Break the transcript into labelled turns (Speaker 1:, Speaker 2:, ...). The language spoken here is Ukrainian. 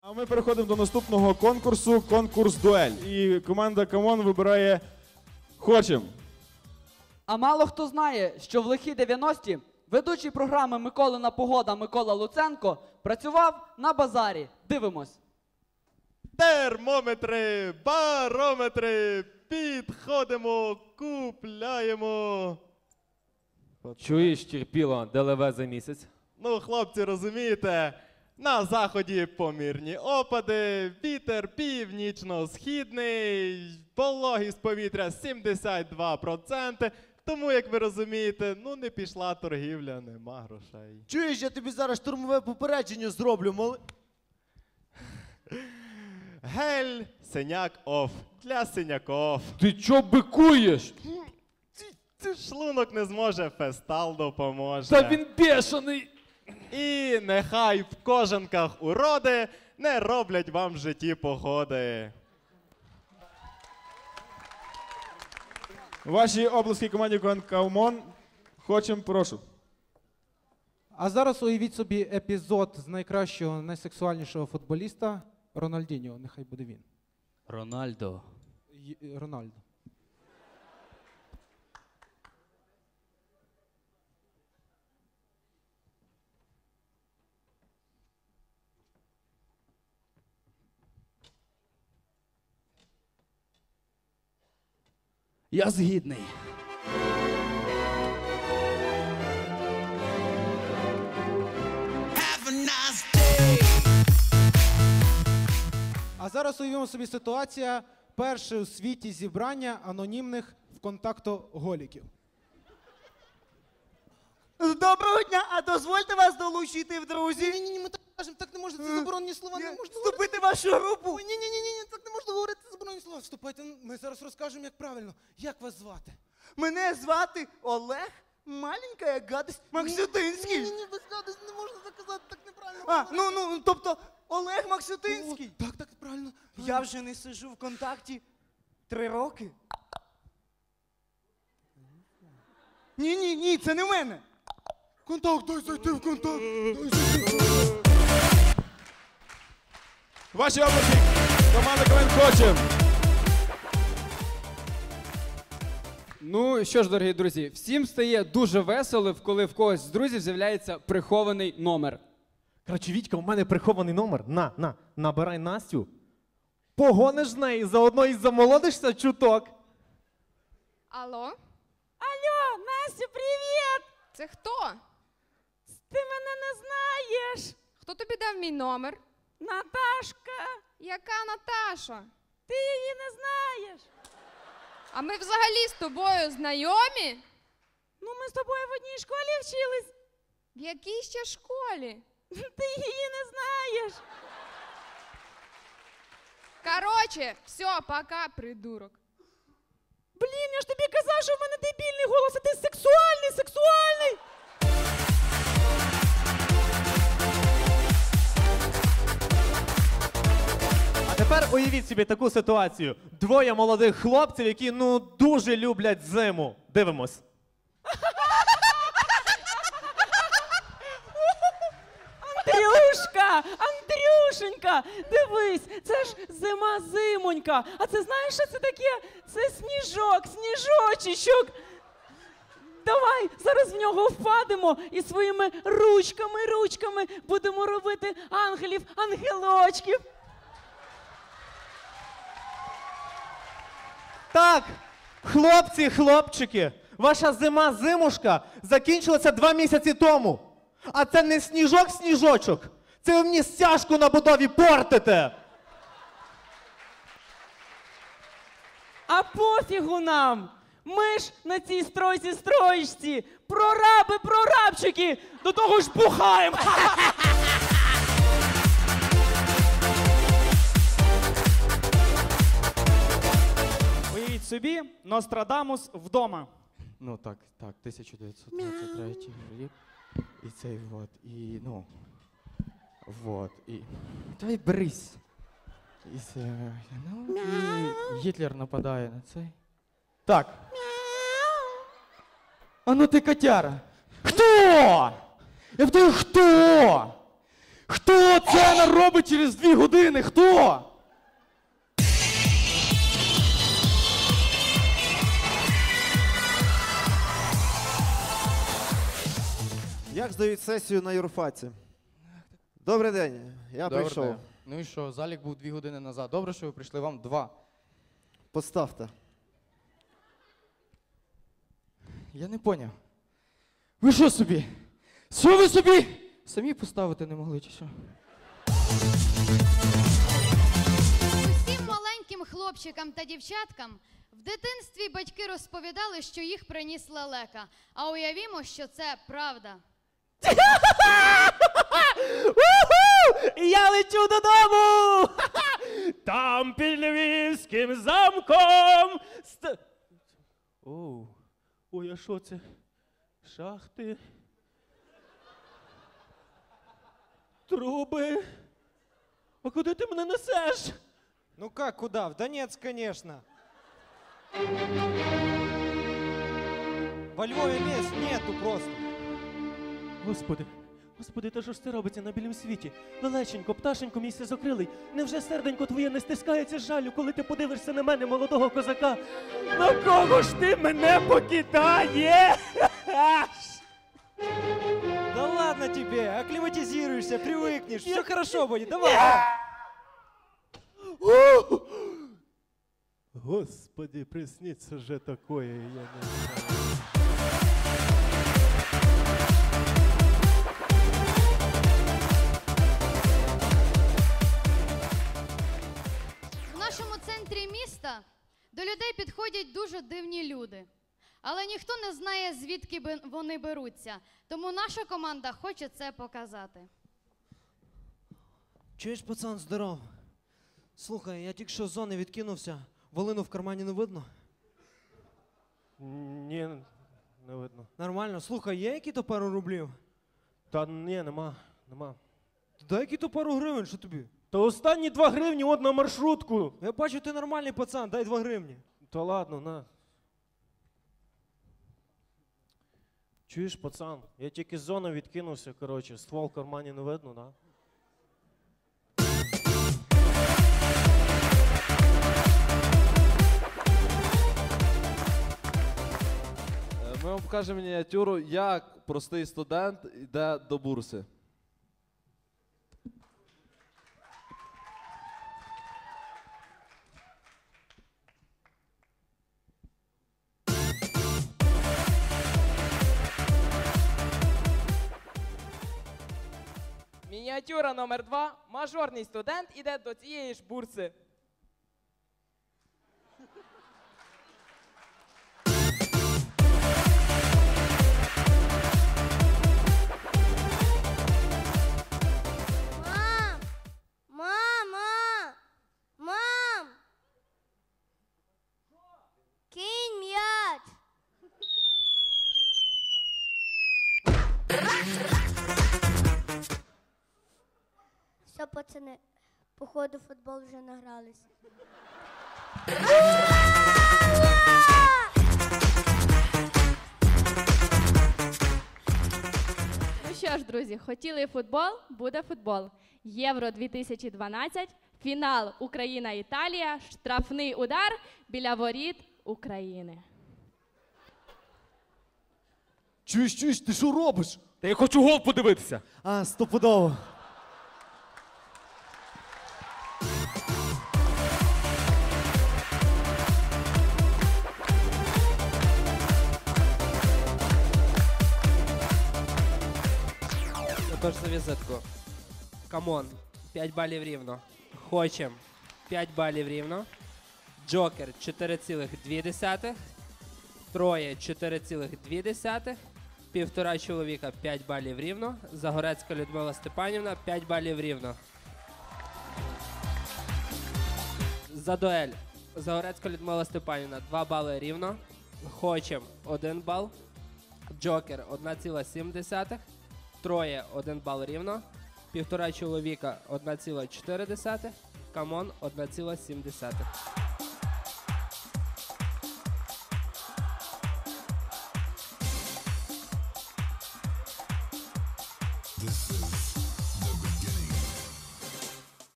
Speaker 1: А ми переходимо до наступного конкурсу, конкурс «Дуель». І команда «Камон» вибирає «Хочем».
Speaker 2: А мало хто знає, що в лихі 90-ті ведучий програми «Миколина погода» Микола Луценко працював на базарі. Дивимось.
Speaker 3: Термометри, барометри, підходимо, купляємо.
Speaker 4: Чуєш, терпіло, ДЛВ за місяць?
Speaker 3: Ну, хлопці, розумієте, на заході помірні опади, вітер північно-східний, вологість повітря 72%. Тому, як ви розумієте, ну не пішла торгівля, нема грошей.
Speaker 5: Чуєш, я тобі зараз штурмове попередження зроблю,
Speaker 3: Гель, синяк оф, для синяков.
Speaker 4: Ти чо бикуєш?
Speaker 3: Шлунок не зможе, фестал допоможе.
Speaker 4: Та він бешений!
Speaker 3: І нехай в кожанках уроди не роблять вам в житті погоди.
Speaker 1: Ваші обласки команді «Камон». «Хочем», прошу.
Speaker 6: А зараз уявіть собі епізод з найкращого, найсексуальнішого футболіста Рональдіньо. Нехай буде він.
Speaker 2: Рональдо.
Speaker 6: Рональдо.
Speaker 2: Я згідний.
Speaker 6: А зараз уявімо собі ситуація. Перше у світі зібрання анонімних вконтактоголіків.
Speaker 5: Доброго дня, а дозвольте вас долучити в друзі.
Speaker 6: Ні, ми так кажемо, так не можна, це заборонені слова, не можна
Speaker 5: Вступити в вашу групу.
Speaker 6: Ні, так не можна говорити, це заборонені слова. Вступайте, ми зараз розкажемо, як правильно. Як вас звати?
Speaker 5: Мене звати Олег, маленька гадость Максютинський.
Speaker 6: Ні, без гадость не можна так казати, так неправильно.
Speaker 5: Ну, тобто Олег Максютинський.
Speaker 6: Так, правильно.
Speaker 5: Я вже не сиджу в контакті 3 роки. Ні, це не в мене.
Speaker 6: Контакт, дай зайти в контакт.
Speaker 1: Ваші обласки команда «КВН» «Хочем».
Speaker 7: Ну що ж, дорогі друзі, всім стає дуже весело, коли в когось з друзів з'являється прихований номер.
Speaker 4: Коротше, Вітька, у мене прихований номер. Набирай Настю. Погониш з неї, заодно і замолодишся чуток.
Speaker 8: Алло?
Speaker 9: Алло, Настя, привіт!
Speaker 8: Це хто?
Speaker 9: Ти мене не знаєш.
Speaker 8: Хто тобі дав мій номер?
Speaker 9: Наташка,
Speaker 8: Яка Наташа?
Speaker 9: ти її не знаєш.
Speaker 8: А ми взагалі з тобою знайомі?
Speaker 9: Ну, ми з тобою в одній школі вчились.
Speaker 8: В якій ще школі?
Speaker 9: Ти її не знаєш.
Speaker 8: Короче, все, пока, придурок.
Speaker 9: Блін, я ж тобі казав, що в мене дебільний голос, а ти сексуальний.
Speaker 4: А тепер уявіть собі таку ситуацію. Двоє молодих хлопців, які, дуже люблять зиму. Дивимось.
Speaker 9: Андрюшенька, дивись, це ж зима-зимонька. А це знаєш, що це таке? Це сніжочечок. Давай зараз в нього впадемо і своїми ручками будемо робити ангелів-ангелочків.
Speaker 4: Так, хлопці, хлопчики, ваша зима-зимушка закінчилася 2 місяці тому. А це не сніжок-сніжочок. Це ви мені стяжку на будові портите.
Speaker 9: А пофігу нам! Ми ж на цій стройці, прорабчики, до того ж бухаємо!
Speaker 10: Уявіть собі, Нострадамус вдома.
Speaker 5: Ну так, 1923 рік. І цей і... Давай брись. І це... і Гітлер нападає на цей. Так. А ну ти котяра. Хто? Я питаю, хто?
Speaker 1: Хто це наробить через 2 години? Хто?
Speaker 11: Як здають сесію на юрфаці? Добрий день, я прийшов.
Speaker 12: Ну і що, залік був 2 години назад. Добре, що ви прийшли, вам 2.
Speaker 11: Поставте.
Speaker 12: Я не поняв. Ви що собі? Що ви собі? Самі поставити не могли чи що?
Speaker 8: Усім маленьким хлопчикам та дівчаткам в дитинстві батьки розповідали, що їх приніс лелека. А уявімо, що це правда.
Speaker 10: Я лечу додому! Там під Львівським замком. Ой, а що це? Шахти? Труби? А куди ти мене несеш?
Speaker 6: Ну как, куда? В Донецк, конечно. Во Львове мест нету просто.
Speaker 10: Господи, та що ж це робиться на білім світі? Лелеченько, пташенько, мій сизокрилий, невже серденько твоє не стискається з жалю, коли ти подивишся на мене, молодого козака? На кого ж ти мене покидаєш?
Speaker 6: Да ладно тебе, акклиматизируешься, привыкнешь, все хорошо будет, давай.
Speaker 3: Господи, приснится же такое, я не знаю.
Speaker 8: В нашому центрі міста до людей підходять дуже дивні люди. Але ніхто не знає, звідки вони беруться. Тому наша команда хоче це показати.
Speaker 13: Чуєш, пацан, здоров. Слухай, я тільки що з зони відкинувся. Волину в кармані не видно?
Speaker 10: Ні, не видно.
Speaker 13: Нормально. Слухай, є які-то пару рублів?
Speaker 10: Та ні, нема.
Speaker 13: Дай які-то пару гривень, що тобі?
Speaker 10: Та останні 2 гривні от на маршрутку.
Speaker 13: Я бачу, ти нормальний пацан, дай 2 гривні.
Speaker 10: Та ладно, на. Чуєш, пацан, я тільки з зони відкинувся, коротше, ствол в кармані не видно, да?
Speaker 14: Ми вам покажемо мініатюру, як простий студент йде до бурси.
Speaker 15: Мініатюра номер 2. Мажорний студент іде до цієї ж бурси.
Speaker 16: Мам! Кинь м'яч! Все, пацани, походу футбол вже награлись.
Speaker 17: Ну що ж, друзі, хотіли футбол, буде футбол. Євро 2012, фінал Україна-Італія, штрафний удар біля воріт України.
Speaker 11: Чуєш, ти що робиш?
Speaker 1: Та я хочу гол подивитися.
Speaker 11: А, стопудово.
Speaker 18: Тож за візитку. Камон, 5 балів рівно. Хочем, 5 балів рівно. Джокер 4,2. Троє 4,2. Півтора чоловіка 5 балів рівно. Загорецька Людмила Степанівна 5 балів рівно. За дуель. Загорецька Людмила Степанівна 2 бали рівно. Хочем 1 бал. Джокер 1,7. Троє 1 бал рівно. Півтора чоловіка 1,4. Камон 1,7.